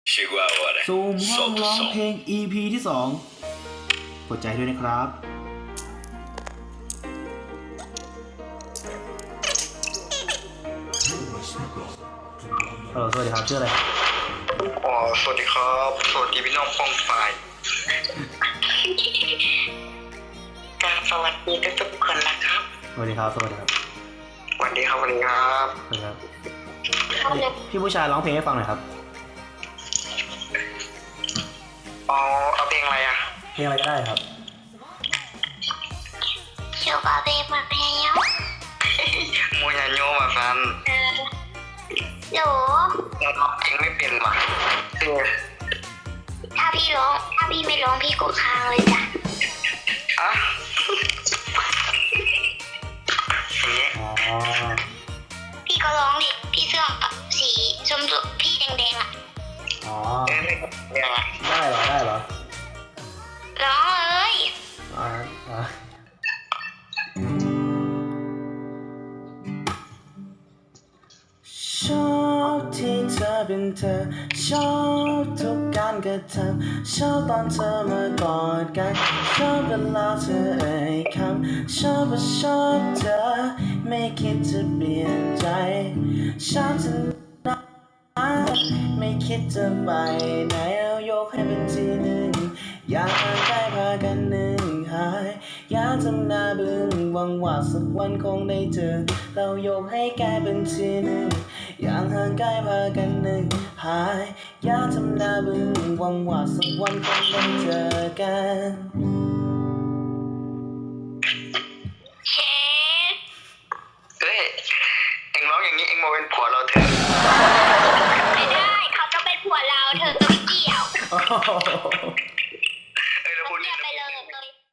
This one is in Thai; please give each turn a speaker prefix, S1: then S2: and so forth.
S1: Chegou a hora.
S2: ซูมห้อง
S1: Solta o
S2: ร้อง
S1: som.
S2: เพลง EP ที่ 2กดใจด้วยนะครับฮัลโหลสวัสดีครับชื่ออะไร
S3: อ๋อสวัสดีครับสวัสดีพี่น้องป้องฝ่ายการสวัสดีทุกๆคนนะครับ
S2: สวัสดีครับสวัสดีครับ
S3: สวัสดีครับสวัสดีครับ
S2: สวัสดีครับพี่ผู้ชายร้องเพลงให้ฟังหน่อยครับ
S3: อ๋อเอาเพลงอะไรอ่ะ
S2: เพลงอะไรก็ได้ครับ
S4: Coba bebasnya.
S3: มูยาโยมาซัน
S4: Loh,
S3: เราร้องเพลงไม่เป็นว่ะเออ
S4: ถ้าพี่ไม่ร้องพี่กดค้างเลยจ้ะ
S3: อะอย่างเงี้ย
S2: อ๋อ
S4: พี่ก็ร้องดิพี่เสื้อสีชมพูพี่แดงๆอ่ะ
S2: อ๋อ
S3: เออเนี่ยนะ
S2: ได้เหรอได้เหรอ
S4: ร้องเลย
S2: อ๋ออ๋อชอบที่เธอเป็นเธอชอบทุกการกระทำชอบตอนเธอมากอดกันชอบเวลาเธอเอ่ยคำชอบว่าชอบเธอไม่คิดจะเปลี่ยนใจชอบเธอไม่คิดจะไปไหนเอายกให้เป็นทีหนึ่งอยากห่างไกลพากันหนึ่งหายอยากทำหน้าบึ้งหวังว่าสักวันคงได้เจอเรายกให้กลายเป็นทีหนึ่งอยากห่างไกลพากันหนึ่งหายอยากทำหน้าบึ้งหวังว่าสักวันคงได้เจอกัน
S4: เช็ด
S3: เฮ้ยเอ็งร้องอย่างนี้เอ็งมาเป็นผัวเราเถอะ
S4: ไม่ได้เขาจะเป็นผัวเราเธอจะไม่เกี่ยว
S2: โอ้โห